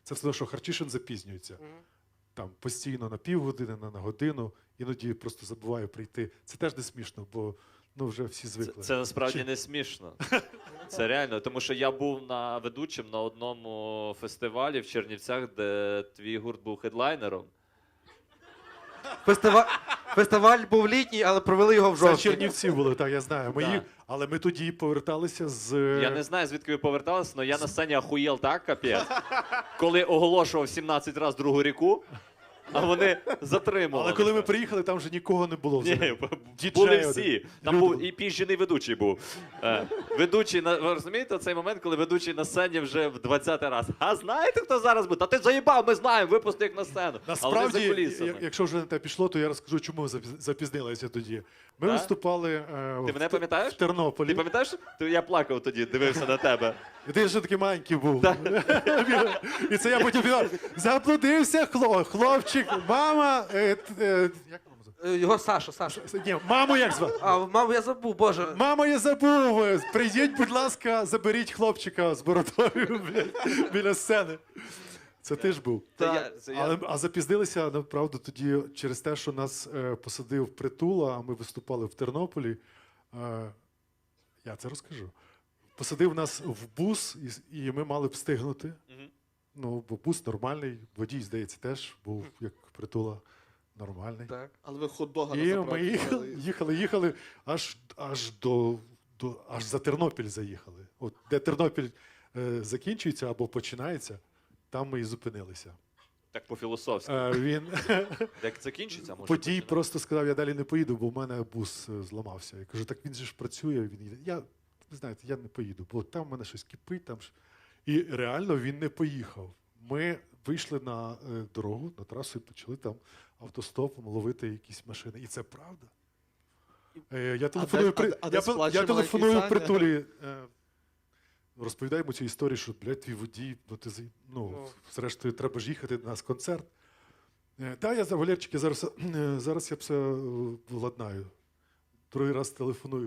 Це все одно, що Харчишин запізнюється. Там постійно на півгодини, на годину, іноді просто забуваю прийти. Це теж не смішно, бо ну, вже всі звикли. Це насправді не смішно. Це реально, тому що я був ведучим на одному фестивалі в Чернівцях, де твій гурт був хедлайнером. Фестиваль був літній, але провели його в Це жовтні. Чернівці були, так, я знаю. Да. Але ми тоді поверталися з... Я не знаю, звідки ви поверталися, але я на сцені ахуєл так, капець. Коли оголошував 17 разів другу ріку, а вони затримували. Але коли ми приїхали, там вже нікого не було. Ні, взагалі. були один. всі. Там був і піжений ведучий був. Ведучий, ви розумієте цей момент, коли ведучий на сцені вже в 20-й раз. А знаєте, хто зараз буде? Та ти заїбав, ми знаємо, випусти їх на сцену. Але вони за Насправді, кулісами. якщо вже на те пішло, то я розкажу, чому ми запізнилися тоді. Ми Так? виступали Ти мене пам'ятаєш? в Тернополі. Ти пам'ятаєш? Я плакав тоді, дивився на тебе. І ти ще такий маленький був. І це я потім казав, заблудився хлопчик, мама... Як маму звати? Його Саша. Ні, маму як звати? А, маму я забув, боже. Мама, я забув. Прийдіть, будь ласка, заберіть хлопчика з бородою біля сцени. Це ти ж був. А запізнилися, направду, тоді через те, що нас посадив Притула, а ми виступали в Тернополі. Я це розкажу. Посадив нас в бус, і ми мали б встигнути. Ну, бо бус нормальний, водій, здається, теж був, як Притула, нормальний. Так. Але ви хот-дога на І заправку ми їхали, аж за Тернопіль заїхали. От де Тернопіль закінчується або починається, там ми і зупинилися. Так по-філософськи. Він Як закінчиться, може? водій просто сказав, я далі не поїду, бо в мене бус зламався. Я кажу, так він же ж працює, він їде. Ви знаєте, я не поїду, бо там в мене щось кипить. І реально він не поїхав. Ми вийшли на дорогу, на трасу і почали там автостопом ловити якісь машини. І це правда. Я телефоную Притулі, розповідаємо цю історію, що, блядь, твій водій, зрештою, треба ж їхати на нас концерт. Так, я за Валерчики, зараз я все владнаю. Другий раз телефоную.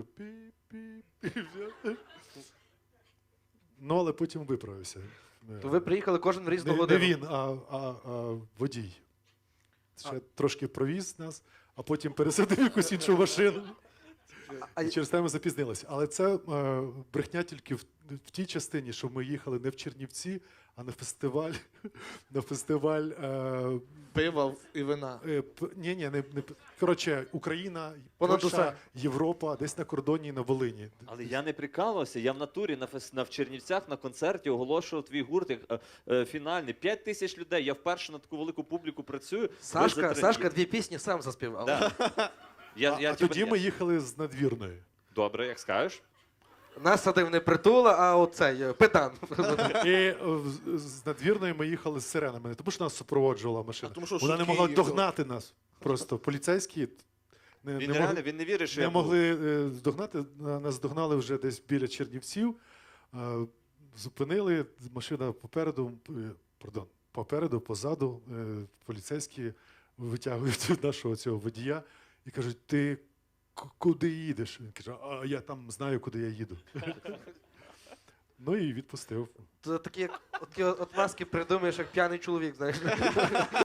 Ну, але потім виправився. То ви приїхали кожен в різну Не годину. він, а водій. Ще трошки провіз нас, а потім пересадив якусь іншу машину. І через те ми запізнилися. Але це брехня тільки в тій частині, що ми їхали не в Чернівці, а на фестиваль пива і вина. Коротше, Україна, Понад Польща, усе. Європа, десь на кордоні, на Волині. Але я не прикалувався, я в натурі в Чернівцях на концерті оголошував твій гурт як фінальний. 5 тисяч людей, я вперше на таку велику публіку працюю. Сашка 2 пісні сам заспівав. Да. А тоді ми їхали з Надвірної. Добре, як скажеш. Нас садив не Притула, а оцей, Петан. І з Надвірної ми їхали з сиренами. Не тому, що нас супроводжувала машина. тому, що Вона не швидкі могла їхали. догнати нас. Просто поліцейські Він не вірить, що не я був. могли догнати. Нас догнали вже десь біля Чернівців. Зупинили, машина попереду, позаду. Поліцейські витягують нашого цього водія і кажуть, ти куди їдеш? Він каже, а я там знаю, куди я їду. Ну і відпустив. Такі от маски придумаєш, як п'яний чоловік, знаєш.